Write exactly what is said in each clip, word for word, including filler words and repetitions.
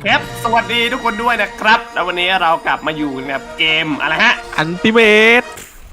ครับสวัสดีทุกคนด้วยนะครับแล้ววันนี้เรากลับมาอยู่กับเกมอะไรฮะอันติเมต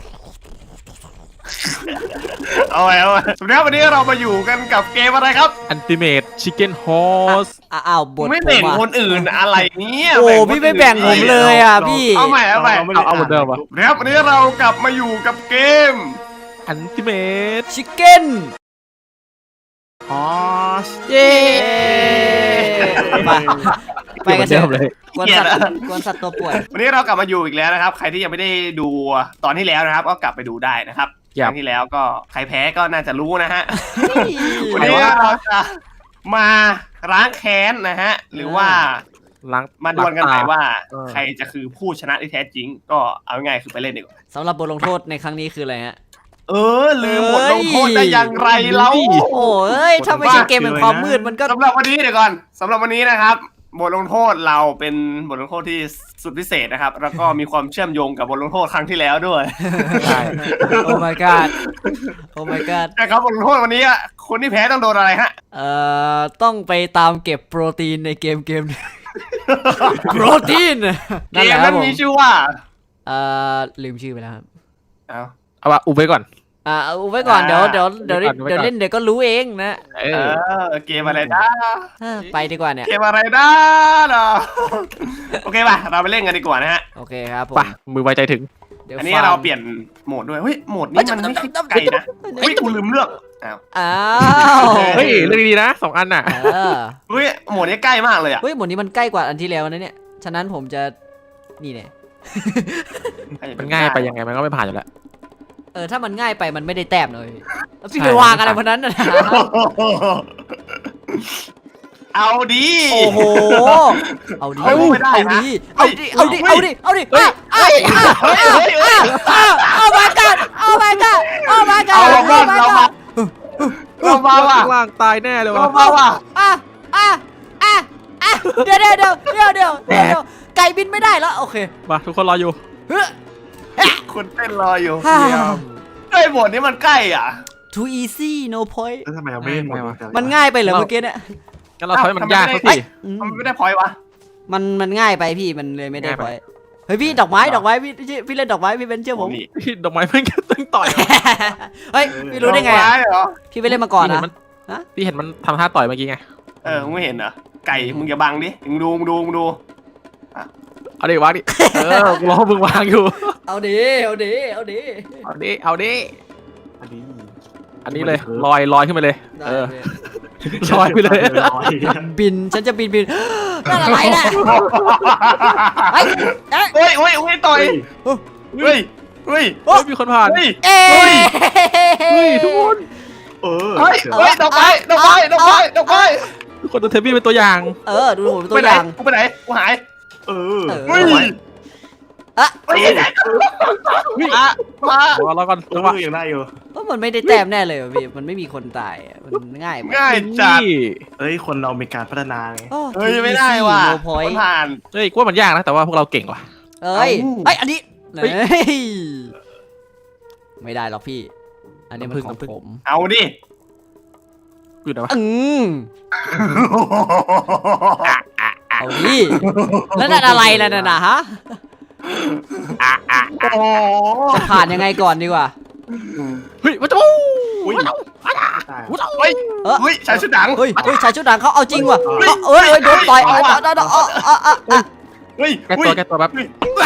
เอาไว้เอาไว้สวัสดีครับวันนี้เรามาอยู่กันกับเกมอะไรครับอันติเมตชิคเก้นฮอสอ้าวบทไม่ผมแบ่งอ่ะคนอื่นอะไรเนี่ยโอ้แบ่งคนพี่ไม่แบ่งผมเลยอ่ะพี่เอาใหม่เอาใหม่เอาเอาเหมือนเดิมปะครับวันนี้เรากลับมาอยู่กับเกมอันติเมตชิคเก้นฮอสเย้ไปไปกันเถเดิมอะเลยกวนสัตว์กวนสัตว์ตัวป่วยวันนี้เรากลับมาอยู่อีกแล้วนะครับ ใครที่ยังไม่ได้ดูตอนที่แล้วนะครับ ก็กลับไปดูได้นะครับครั้งที่แล้วก็ใครแพ้ก็น่าจะรู้นะฮะ วันนี้เราจะมาล้างแค้นนะฮะ หรือว่าล้างมาดวลกันหน่อยว่าเออใครจะคือผู้ชนะที่แท้จริง ก็เอาง่ายๆคือไปเล่นดีกว่าสำหรับบทลงโทษในครั้งนี้คืออะไรฮะเออลืมบทลงโทษได้อย่างไรเล่าโอ้ยถ้าไม่ใช่เกมแห่งความมืดมันก็สำหรับวันนี้เดี๋ยวก่อนสำหรับวันนี้นะครับบทลงโทษเราเป็นบทลงโทษที่สุดพิเศษนะครับ แล้วก็มีความเชื่อมโยงกับบทลงโทษครั้งที่แล้วด้วยใช่โอ้ my god โอ้ my god นะครับบทลงโทษวันนี้อ่ะคนที่แพ้ต้องโดนอะไรฮะเอ่อต้องไปตามเก็บโปรตีนในเกมเกมหนึ่ง โปรตีนเกนั่นแหมละคนั้รับนผมมีชื่อว่าเอ่อลืมชื่อไปแล้วครับเอาเอาว่าอุบไว้ก่อนอ่าเอาไว้ก่อนเดี๋ยวเดี๋ยวเดี๋ยวไว้ก่อนไว้ก่อนเดี๋ยวเล่นเดี๋ยวก็รู้เองนะเอเอออเกมอะไรนะเออไปดีกว่าเนี่ยเกมอะไรนะเนาะโอเคป่ะเราไปเล่นกันดีกว่านะฮะโอเคครับผมป่ะมือไวใจถึงเดี๋ยวอันนี้ฟังเราเปลี่ยนโหมดด้วยเฮ้ยโหมดนี้มันไม่ใช่ไก่นะเฮ้ยกูลืมเลือกอ้าวอ้าวเฮ้ยเรื่องดีๆนะสองอันน่ะเออเฮ้ยโหมดนี้ใกล้มากเลยอ่ะเฮ้ยหมดนี้มันใกล้กว่าอันที่แล้วนะเนี่ยฉะนั้นผมจะนี่เนี่ยมันง่ายไปยังไงมันก็ไม่ผ่านอยู่แล้วเออถ้ามันง่ายไปมันไม่ได้แต้มเลยแล้วพี่ใช่ไปวางอะไรพวกนั้นนะเอาดีโอ้โหเอาดิเอาไม่ได้เอานะดิเอาดิเอาดิเอาดิเอาดิเฮ้ยอ่ะอ่ะอ่ะอ่ะอ่ะเอามากันเอามากันเอามากันเอาเราบ้านเรามาเรามาว่ะข้างล่างตายแน่เลยเราวะมาว่ะอ่ะอ่ะอ่ะอ่ะเดี๋ยวเดี๋ยวเดี๋ยวเดี๋ยวเดี๋ยวเดี๋ยวไก่บินไม่ได้แล้วโอเคมาทุกคนรออยู่เฮ้ยคุณเต้นรออยู่ฮ่าไอ้ยโหมดนี้มันใกล้อ่ะ too easy no point แล้วทำไมเราไม่เล่นหมดวะมันง่ายไปเหรอเมื่อกี้เนี่ยงั้นเราทำให้มันยากสักเฮ้ทีย มันไม่ได้พอยวะมันมันง่ายไปพี่มันเลยไม่ได้ง่ายพไปอยเฮ้ยพี่ดอกไม้ดอกไม้พี่พี่พี่เล่นดอกไม้พี่เป็นเชื่อผมพี่ดอกไม้มันก็ต้องต่อยเฮ้ยพี่รู้ได้ไงดอกอะม้เหรอพี่ไปเล่นมาก่อนพี่เห็นะมันฮะพี่เห็นมันทำท่าต่อยเมื่อกี้ไงเออมึงไม่เห็นเหรอไก่มึงอย่าบังดิมึงดูมึงดูมึงดูเอาดิวางดิเออกูรอมึงวางอยู่เอาดิเอาดิเอาดิเอาดิเอาดิอันนี้อันนี้เลยลอยลอยขึ้นไปเลยได้เออพี่ลอยไปเลยลอยบินฉันจะบินบิน นั่นอะไรน่ะเฮ้ยเอ้ยเฮ้ยเฮ้ยเฮ้ยต่อยเฮ้ยเฮ้ยเฮ้ยมีคนผ่านเฮ้ยเอ้ยเฮ้ยทุกคนเออเฮ้ยเฮ้ยดอกไม้ดอกไม้ดอกไม้ดอกไม้ทุกคนดูเทปบี้เป็นตัวอย่างเออดูผมเป็นตัไปวไหอน ย่างกูไปไหนกูหายเออเฮ้ยอะเฮ้ยมามารอรอก่อนเอจังหวะอยังได้อยู่ว่ามันไม่ได้แต้มแน่เลยว่ะพี่มันไม่มีคนตายอะมันง่ายไปง่ายจัดนี่เอ้ยคนเรามีการพัฒนาไงโอ้เฮ้ยไม่ได้ว่ะโนพอยคนผ่านเฮ้ยกูว่ามันยากนะแต่ว่าพวกเราเก่งว่ะเอ้ยเอ้าเอ้ยอันนี้เฮ้ยเฮ้ยไม่ได้หรอกพี่ อันนี้มันน้ำผึ้งของน้ำผึ้งผมเอาดิอยู่ไหนวะอืมเอาดิแล้วนั่นอะไรล่ะนั่นนะฮะโอ้จะผ่านยังไงก่อนดีกว่าเฮ้ยมาจูอุ้ยตายเฮ้ยเออเฮ้ยชายชุดหนังเฮ้ยเฮ้ยชายชุดด่างเขาเอาจริงว่ะเฮ้ยเขาเอ้ยเอ้ยโดนต่อยเอาเอาว่ะเอาเอาเอาเอาเอาเอาเฮ้ยแก้ตัวแก้ตัวแป๊บ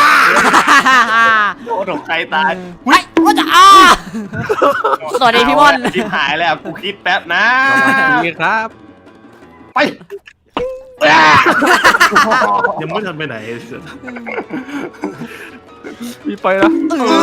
โอ้โหใครตายเฮ้ยว่าจะอ่าสวัสดีพี่ม่อนชิบหายแล้วกูคิดแป๊บนะดีครับไปยังไม่ทันไปไหนมีไปแล้ว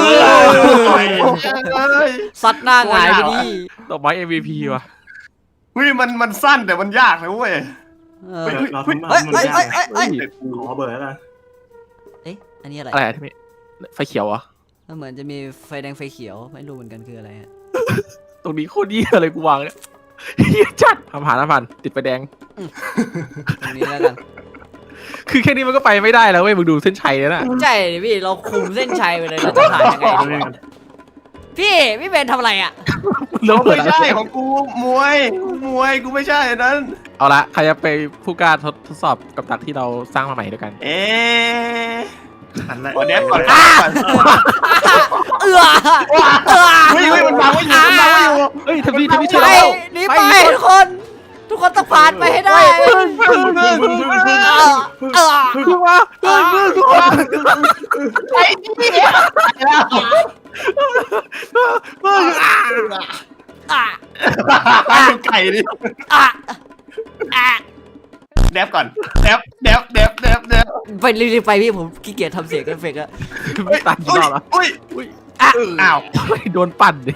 ซัดหน้าหงายไปดิดอกไม้ เอ็ม วี พี ว่ะเฮ้ยมันมันสั้นแต่มันยากนะเว้ยเออเราทำมาเฮ้ยมันเฮ้ยยาเฮ้กยเฮ้ยเฮ้ยขอเบอร์แล้วกันเอ๊ะอันนี้อะไรอะไรอะที่มีไฟเขียวเหรอ่ะมันเหมือนจะมีไฟแดงไฟเขียวไม่รู้เหมือนกันคืออะไรฮะตรงนี้โคตรเยี่ยเลยกูวางเนี่ยเยี่ยจัดผ่านผ่านผ่านติดไฟแดงตรงนี้แล้วกันคือแค่นี้มันก็ไปไม่ได้แล้วเว้ยมึงดูเส้นชัยแล้วน่ะใช่ดิพี่เราคุมเส้นชัยไปเลยเราจะผ่านยังไงเอาดีด้วยกันพี่พี่เบนทำอะไรอ่ะแล้วเปิไม่ดใช่ของกูมวยมวยกูไม่ใช่อันนั้นเอาละใครจะไปผู้กล้าทดทดสอบกับดักที่เราสร้างมาใหม่ด้วยกันเอ๊ะหันละวันนี้ก่อนอ่ะก่อนเอือเอือเฮ้ยเฮ้ยมันบังไว้อยู่มันบังไว้อยู่เฮ้ยทำดีทำดีไปช่วยเราหนีไปทุกคน ทุกคนต้องผ่านไปให้ได้พึ่งพึ่งพึ่งพึ่งพึ่งเออเออพึ่งมาพึ่งพึ่งพึ่งมาไอ้นี่แล้วพึ่งอ่ะดูไก่ดิอ่ะอ่ะแดบก่อนแดบแดบแดบแดบแดบไปรีบๆไปพี่ผมขี้เกียจทำเสียงเอฟเฟกต์อะไม่ตัดกี่รอบแล้วอุ้ยอุ้ยอ่ะอ้าวโดนปั่นดิ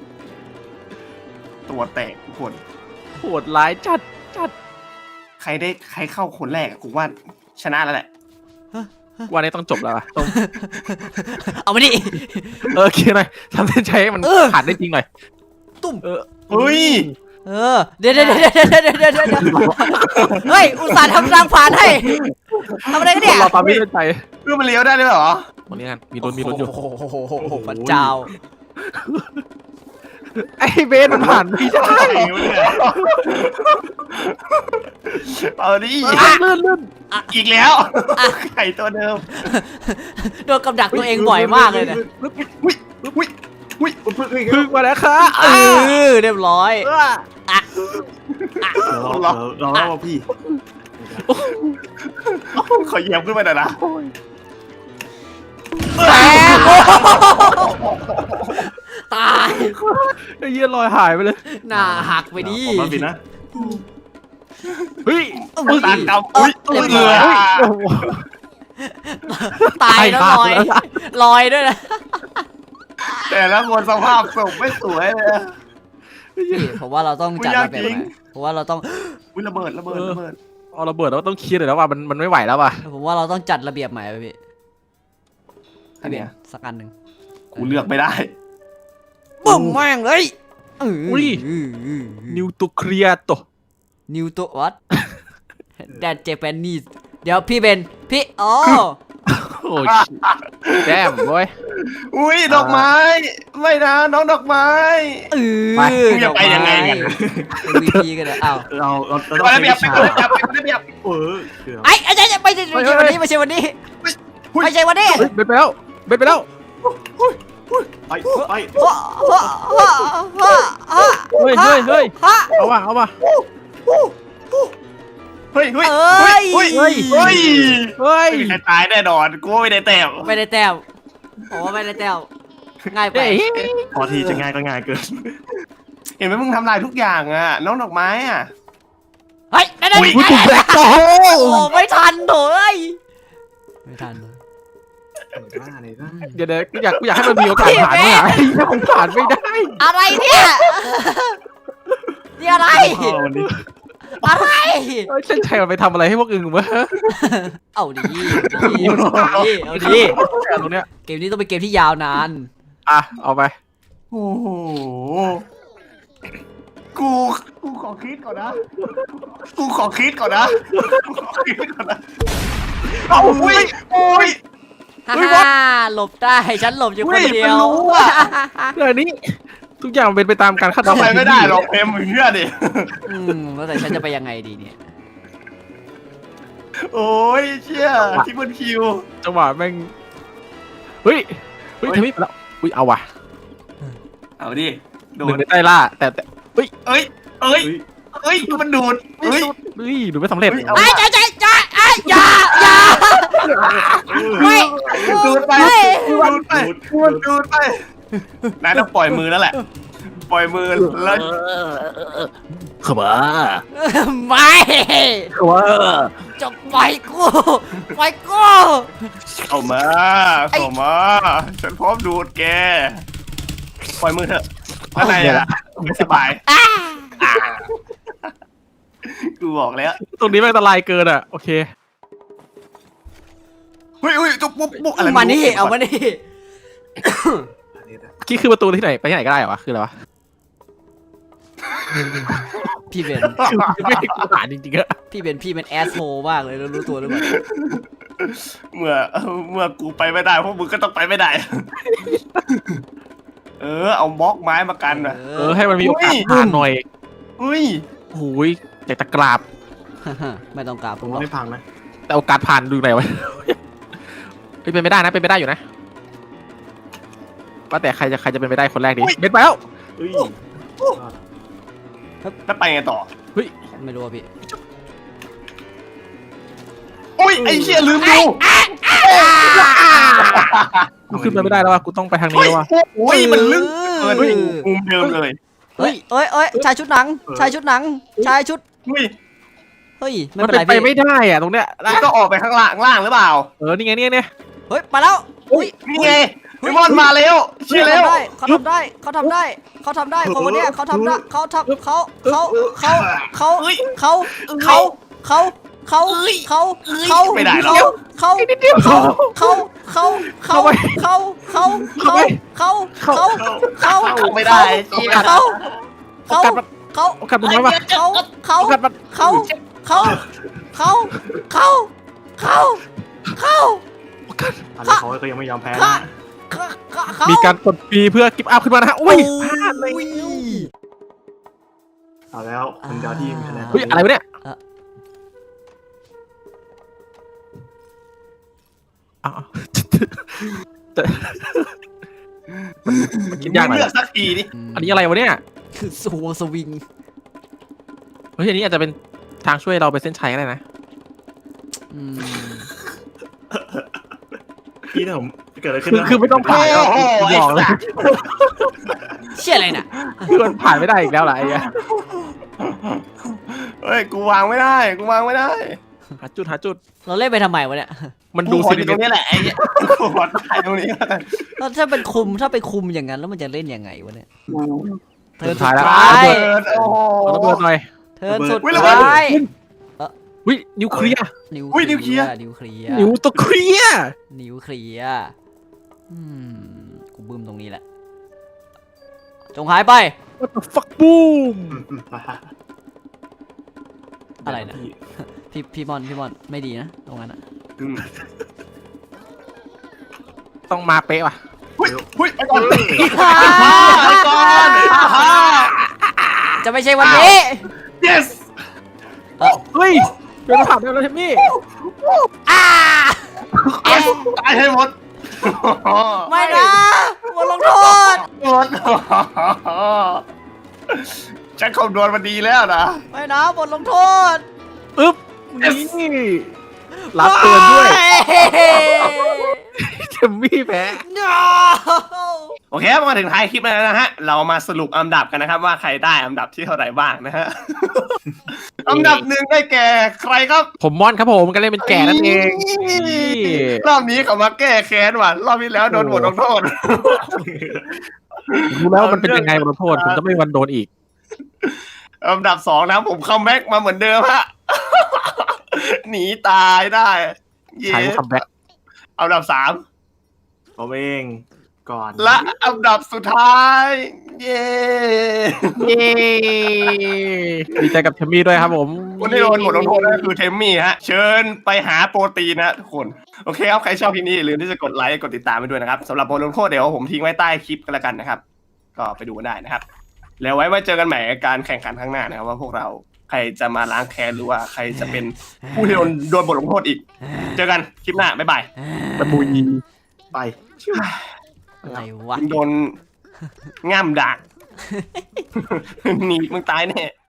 ตัวแตกทุกคนโหดร้ายจัดจัดใครได้ใครเข้าคนแรกกูว่าชนะแล้วแหละวันนี้ต้องจบแล้วอะต้องเอามาดิเออคิดหน่อยทำเส้นชัยให้มันเออผ่านได้จริงหน่อยตุ้มเออเฮ้ยเออเดี๋ยวเดี๋ยวเดี๋ยวเดี๋ยวเดี๋ยวเดี๋ยวเดี๋ยวเฮ้ยอุตส่าห์ทำทางผ่านให้ทำอะไรกันเนี่ยเราตามไม่ได้ใจเพื่อมันเลี้ยวได้ด้วยเหรอวันนี้กันมีลุ้นมีลุ้นอยู่โอ้โหพระเจ้าไอ้เบนมันผ่านไม่ได้ไก่วะเนี่ยเอาดิเลื่อนเลื่อนอีกแล้วไก่ตัวเดิมโดนกับดักตัวเองบ่อยมากเลยเนี่ยอุ้ยอุ้ยอุ้ยพึ่งพึ่งพึ่งมาแล้วค่ะเออเรียบร้อยอ่ะเราเราเราพี่ขอเหยียบขึ้นมาหน่อยนะแตกตายไอ้เหี้ยลอยหายไปเลยหน้าหักไปดิผมมาผิดนะเฮ้ยอุ้ยตากำอุ้ยเรียบเอืร้ออยตายแล้วลอยลอยด้วยนะแต่ละคนสภาพศพไม่สวยเลยผมว่าเราต้องจัดระเบียบจริงใหม่ผมว่าเราต้องอุ้ยระเบิดระเบิดระเบิดเอาระเบิดแล้วต้องเคลียร์เลยแล้วว่ามันมันไม่ไหวแล้วว่ะผมว่าเราต้องจัดระเบียบใหม่ไปพี่อันเนี้ยสักอันหนึ่งกูเลือกไม่ได้บุ้มแม่งเลยเอออุ้ย นิวตัวเคลียร์ตัวนิวตัววัด แดดเจแปนนีสเดี๋ยวพี่เบนพี่อ๋อโอ้ยแจมเว้ยอุ้ยดอกไม้ไม่นะน้องดอกไม้เออไปมึงจะไปยังไงกันวีพีกันเลยอ้าวเราเราเราต้องไประเบียบไปใช้ระเบียบไประเบียบเออเกือบไอ้ไอ้ไอ้ไม่ใช่ไม่ใช่วันนี้ไม่ใช่วันนี้ไม่ใช่วันนี้เฮ้ยเบ็ดไปแล้วเบ็ดไปแล้วไปไปฮะฮะฮะฮะฮะเฮ้ยเฮ้ยเฮ้ยฮะเอาว่ะเอาว่ะเฮ้ยเฮ้ยเอ้ยเฮ้ยเฮ้ยเฮ้ยเฮ้ยไม่มีใครตายแน่นอนกูว่าไม่ได้แต้มไม่ได้แต้มผมว่าไม่ได้แต้มง่ายไปเฮ้ยพอทีจะง่ายก็ง่ายเกินเห็นไหมมึงทำลายทุกอย่างอ่ะน้องดอกไม้อ่ะเฮ้ยได้ได้อุ้ยอุ้ยถูกแบล็คโอ้โอ้ไม่ทันโถเอ้ยไม่ทันเลยเดี๋ยวเดี๋ยวกูอยากกูอยากให้มันมีโอกาสผ่านเนี่ยไอ้เหี้ยมันผ่านไม่ได้อะไรเนี่ยนี่อะไรพ่อวันนี้อะไรเฮ้ยเส้นชัยมันไปทำอะไรให้พวกอึ่งวะเอาดีดีดีเอาดีแต่ตรงเนี้ยเกมนี้ต้องเป็นเกมที่ยาวนานอ่ะเอาไปโอ้โหกูกูขอคิดก่อนนะกูขอคิดก่อนนะกูขอคิดก่อนนะเอาอุ้ยอุ้ยฮ่าฮ่าหลบได้ฉันหลบอยู่คนเดียวเฮ้ยมันรู้อะเรื่องนี้ทุกอย่างเป็นไปตามการคาดเดาทำไมไม่ได้หรอกเอ็มมึงเชื่อดิอืมแล้วแต่ฉันจะไปยังไงดีเนี่ยโอ้ยเชี่ยทิปเปิลคิวจังหวะแม่งเฮ้ยเฮ้ยทำไมไปแล้วอุ้ยเอาว่ะเอาดิโดหนึ่นงในใต้ล่าแต่แต่เอ้ยเอ้ยเอ้ยมันดูดเอ้ยเฮ้ยดูไม่สำเร็จเฮ้ยเอาไอ้ใจใจใจไอ้อย่าอย่าไม่ดูดไปไม่ดูดไปดูดดูดไปนายต้องปล่อยมือแล้วแหละ ปล่อยมือแล้วขบ้าไม่ขบ้าจะปล่อยกูปล่อยกูเข้ามาเข้ามาฉันพร้อมดูดแกปล่อยมือเถอะอะไรอ่ะไม่สบายอ่ากูบอกแล้วตรงนี้แม่งอันตรายเกินอ่ะโอเคเฮ้ยเฮ้ยจุ๊บปุ๊บปุ๊บอะไรมานี่เอามานี่ที่คือประตูที่ไหนไปที่ไหนก็ได้เหรอวะคืออะไรวะพี่เบนไม่ได้กูหาจริงๆอะพี่เบนพี่เป็นแอสโฮมากเลยแล้วรู้ตัวหรือเปล่าเมื่อเมื่อกูไปไม่ได้พวกมึงก็ต้องไปไม่ได้ เออเอาบล็อกไม้มากันนะเออให้มันมีโอกาสผ่านหน่อยอุ้ยโอ้ยอยากตะกราบไม่ต้องกราบผผม มหรอกไม่พังนะแต่โอกาสผ่านดูไหนวะเฮ้ยเป็นไปได้นะเป็นไปได้อยู่นะว่าแต่ใครจะใครจะเป็นไปได้คนแรกดีเบ็ดไปแล้วเฮ้ยแล้วไปไงต่อไม่รู้อะพี่อุ้ยไอ้เชี่ยลืมดูกูขึ้นไปไม่ได้แล้วว่ะกูต้องไปทางนี้แล้วว่ะอุ้ยมันลึกเกินมุมเดิมเลยเฮ้ยเอ้ยเอ้ยชายชุดหนังชายชุดหนังชายชุดอุ้ยเฮ้ยไม่มันเป็นเป็นไรไปพี่ไม่ได้อะตรงเนี้ยมันก็ออกไปข้างล่างล่างหรือเปล่าเออนี่ไงนี่ไงเนี่ยเฮ้ยไปแล้วอุ้ยนี่ไงพี่มอนมาแล้วเชื่อแล้วเขาทำได้เขาทำได้เขาทำได้คนคนเนี้ยเขาทำได้เขาทำเขาเขาเขาเขาเอ้ยเขาเขาเขาเขาเขาเขาไม่ได้หรอกเขาเขาเขาเขาเขาเขาเขาเขาเขาเขาเขาเขาไม่ได้เชี่ยเขาเขาโอกาสมันเขาโอกาสมันน้อยว่ะเขาเขาโอกาสมันเขาเขาเขาเขาเขาเขาอันนี้เขาก็ยังไม่ยอมแพ้เขานะเขาเขามีการกดปีเพื่อกิฟต์อัพขึ้นมานะฮะอุ้ยพลาดเลยอุ้ยเอาแล้วคนเดียวที่มีคะแนนเฮ้ยอะไรวะเนี่ยอ้าวจะมันคิดยากหน่อยเลือกสักทีนี่อันนี้อะไรวะเนี่ยคือสวงสวิงเฮ้ยอันนี้อาจจะเป็นทางช่วยเราไปเส้นชัยก็ได้นะอืมพี่ถ้าผมเกิดอะไรขึ้นคือนะคือไม่ต้องผ่านแล้วบอกเลยเชี่ยอะไรน่ะคือมันผ่านไม่ได้อีกแล้วล่ะไอ้เหี้ยเฮ้ยกูวางไม่ได้กูวางไม่ได้หาจุดหาจุดเราเล่นไปทำไมวะเนี่ยมันดูดูสิสิตรงนี้แหละไอ้เนี่ยกูขอตายตรงนี้แล้วกันแล้วถ้าเป็นคุมถ้าไปคุมอย่างนั้นแล้วมันจะเล่นยังไงวะเนี่ยเธอสุดท้ายแล้วท้ายเปิดโอ้โหเอาระเบิดหน่อยเธอสุดอุ๊ยระเบิดท้ายวินิวเคลียร์นิวอุ๊ยนิวเคลียร์นิวเคลียร์นิวตัวเคลียร์นิวเคลียร์อืมกูบึ้มตรงนี้แหละจงหายไป What the fuck boom อะไรนะ พี่พี่มอนพี่มอนไม่ดีนะตรงนั้นอะอืมต้องมาเป๊ะว่ะหุ้ยหุ้ยไปก่อนไปอ่าก่อนอ่าฮะจะไม่ใช่วันนี้ yes เฮ้ยเป็นผ่านได้แล้วเทมมี่อ่าตายให้หมดไม่นะบทลงโทษหมดฉันคำนวณมาดีแล้วนะไม่นะบทลงโทษอึ๊บนี่รับเตือนด้วยเทมมี่แพ้ No โอเคมาถึงท้ายคลิปแล้วนะฮะ เรามาสรุปอันดับกันนะครับ ว่าใครได้อันดับที่เท่าไหร่บ้างนะฮะ อันดับหนึ่งได้แก่ใครครับผมมอนครับผมก็เล่นเป็นแก่นั่นเองนี่รอบนี้เขามาแก้แค้นว่ะ รอบที่แล้วโดนบทลงโทษรู้แล้วว่ามันเป็นยังไงบทลงโทษผมจะไม่มีวันโดนอีกอันดับสองนะผมคัมแบ็กมาเหมือนเดิมฮะ หนีตายได้ เย้ใช้คัมแบ็กอันดับสามผมเองก่อนและอันดับสุดท้าย เย้เย้ดีใจกับเทมมี่ด้วยครับผมคนที่โดนบทลงโทษก็คือเทมมี่ฮะ เชิญไปหาโปรตีนนะทุกคน โอเคครับ ใครชอบคลิปนี้อย่าลืมที่จะกดไลค์กดติดตามไปด้วยนะครับสำหรับบทลงโทษเดี๋ยวผมทิ้งไว้ใต้คลิปกันแล้วกันนะครับ ก็ไปดูกันได้นะครับ แล้วไว้มาเจอกันใหม่ในการแข่งขันข้างหน้านะครับว่าพวกเราใครจะมาล้างแค้นหรือว่าใครจะเป็นผู้ที่โดนโดนบทลงโทษอีก เจอกันคลิปหน้าบ๊ายบายตะบุยไปอะไรวะโดนง่ามดัก หนีมึงตายแน่